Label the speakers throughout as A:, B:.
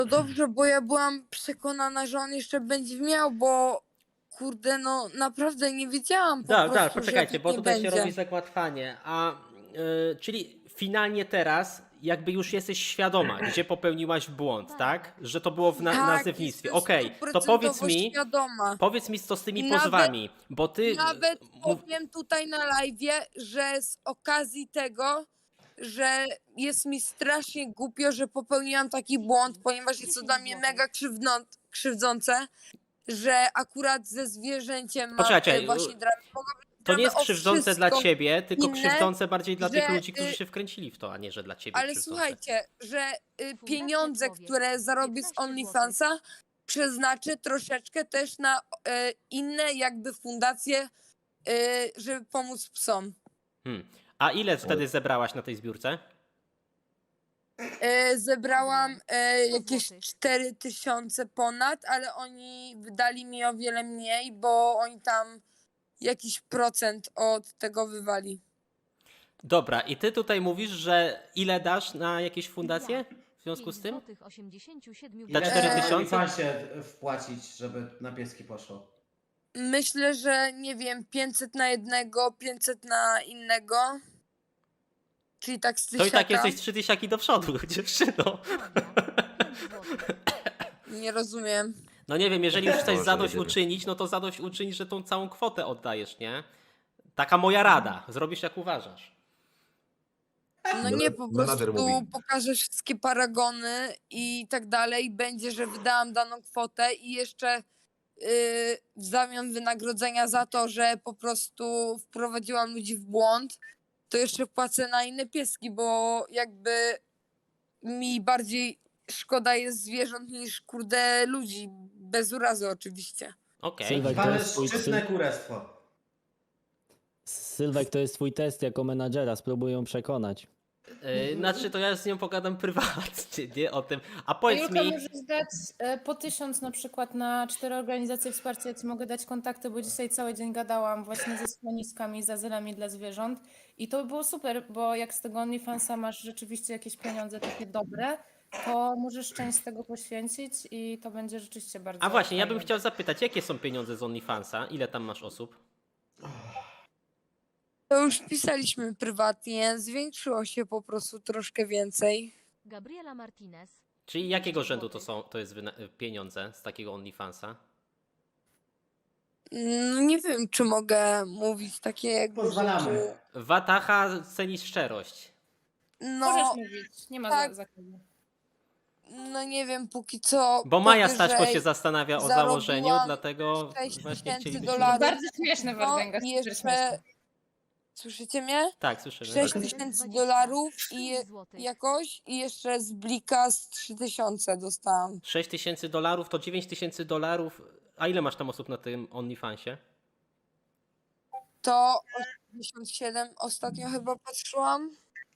A: To dobrze, bo ja byłam przekonana, że on jeszcze będzie miał, bo kurde, no naprawdę nie wiedziałam po
B: Tak,
A: prostu, że
B: poczekajcie, bo
A: nie
B: tutaj się
A: będzie.
B: robi zagłatwanie. Czyli finalnie teraz jakby już jesteś świadoma, gdzie popełniłaś błąd, tak? Że to było w
A: Tak,
B: nazewnictwie.
A: jestem
B: Okej, to
A: stuprocentowo świadoma.
B: powiedz mi co z tymi
A: I
B: pozwami, bo ty...
A: nawet
B: mów-
A: powiem tutaj na live'ie, że z okazji tego, że jest mi strasznie głupio, że popełniłam taki błąd, ponieważ jest to dla mnie mega krzywdzące, że akurat ze zwierzęciem mam
B: Poczekaj,
A: właśnie dramy.
B: to nie jest
A: o
B: krzywdzące dla
A: wszystko
B: ciebie, tylko
A: inne,
B: krzywdzące bardziej dla tych
A: że,
B: ludzi, którzy się wkręcili w to, a nie, że dla ciebie
A: ale
B: krzywdzące.
A: słuchajcie, że
C: Fundacja
A: pieniądze,
C: Człowiek,
A: które zarobię z
C: 15
A: OnlyFansa, przeznaczę troszeczkę też na inne jakby fundacje, żeby pomóc psom.
B: A ile wtedy zebrałaś na tej zbiórce?
A: Zebrałam jakieś
C: złotych.
A: 4000 ponad, ale oni wydali mi o wiele mniej, bo oni tam jakiś procent od tego wywali.
B: Dobra, i ty tutaj mówisz, że ile dasz na jakieś fundacje w związku z tym?
C: 87
B: Dla
D: Ile
B: 4000?
D: trzeba się wpłacić, żeby na pieski poszło?
A: Myślę, że nie wiem, 500 na jednego, 500 na innego. Czyli tak z
B: To i tak
A: tysiaka.
B: jesteś 3 tysiaki do przodu, dziewczyno.
A: Nie rozumiem.
B: No nie wiem, jeżeli już chcesz
E: Boże,
B: zadośćuczynić, no to zadośćuczynić, że tą całą kwotę oddajesz, nie? Taka moja rada. Zrobisz jak uważasz.
A: No nie, po
E: Menadżer
A: prostu
E: mówi.
A: pokażę wszystkie paragony i tak dalej. Będzie, że wydałam daną kwotę i jeszcze w zamian wynagrodzenia za to, że po prostu wprowadziłam ludzi w błąd, to jeszcze płacę na inne pieski, bo jakby mi bardziej szkoda jest zwierząt niż kurde ludzi. Bez urazy oczywiście.
B: Okej.
F: Sylwek, to
D: Mamy
F: jest twój
D: szczytne kurestwo.
F: Sylwek, to jest twój test jako menadżera, spróbuj ją przekonać.
B: Znaczy to ja z nią pogadam prywatnie, nie o tym. A powiedz
G: Julka,
B: mi...
G: możesz dać po 1000 na przykład na 4 organizacje wsparcia. Ja ci mogę dać kontakty, bo dzisiaj cały dzień gadałam właśnie ze schroniskami, z azylami dla zwierząt. I to by było super, bo jak z tego OnlyFansa masz rzeczywiście jakieś pieniądze takie dobre, to możesz część z tego poświęcić i to będzie rzeczywiście bardzo
B: A właśnie, ja bym
G: fajne.
B: chciał zapytać, jakie są pieniądze z OnlyFansa? Ile tam masz osób?
A: To już pisaliśmy prywatnie, zwiększyło się po prostu troszkę więcej.
C: Gabriela Martinez.
B: Czyli jakiego rzędu to jest pieniądze z takiego OnlyFansa?
A: No nie wiem, czy mogę mówić takie jakby
D: Pozwalamy.
A: rzeczy.
B: Wataha ceni szczerość.
A: No,
G: Możesz mówić, nie ma
A: tak.
G: zakazu.
A: no nie wiem, póki co.
B: Bo Maja
A: powyżej
B: Staśko się zastanawia o założeniu,
A: zarobiłam
B: dlatego
A: 6
B: właśnie
A: tysięcy
B: chcielibyśmy...
A: dolarów.
G: Bardzo śmieszne,
A: No
G: Wardęga,
A: i
G: super
A: jeszcze.
G: śmieszne.
A: Słyszycie mnie?
B: Tak, słyszymy.
A: 6
B: Tak.
A: tysięcy
C: 20,
A: dolarów
C: 5 złotych.
A: jakoś i jeszcze z Blika z 3000 dostałam.
B: 6 tysięcy dolarów to 9 tysięcy dolarów. A ile masz tam osób na tym OnlyFansie?
A: To 87 ostatnio chyba patrzyłam.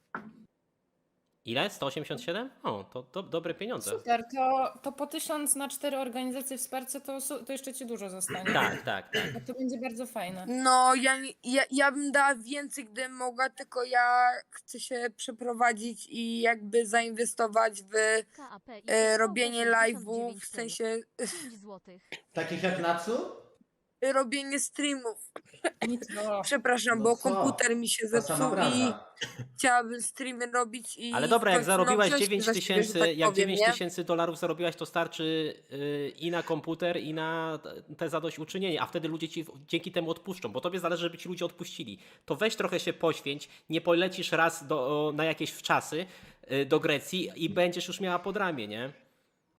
B: Ile? 187? O, to dobre pieniądze.
G: Super, to po 1000 na 4 organizacje wsparcia to jeszcze ci dużo zostanie.
B: Tak.
G: Bo to będzie bardzo fajne.
A: No, ja bym dała więcej, gdybym mogła, tylko ja chcę się przeprowadzić i jakby zainwestować w
C: KAP i
A: robienie
C: 89
A: live'ów, w sensie
C: 5 złotych.
D: Takich jak Natsu?
A: robienie streamów.
G: Nic, no.
A: Przepraszam,
D: No
A: bo
D: co?
A: komputer mi się
D: Ta sama
A: zepsuł i
D: branża.
A: chciałabym streamy robić i
B: Ale dobra,
A: w
B: jak
A: końcu,
B: zarobiłaś
A: wziąć
B: 9
A: za siebie, że
B: tysięcy,
A: tak
B: jak
A: powiem,
B: 9
A: nie?
B: tysięcy dolarów zarobiłaś, to starczy i na komputer, i na te zadośćuczynienie, a wtedy ludzie ci dzięki temu odpuszczą, bo tobie zależy, żeby ci ludzie odpuścili. To weź trochę się poświęć, nie polecisz raz na jakieś wczasy do Grecji i będziesz już miała pod ramię, nie?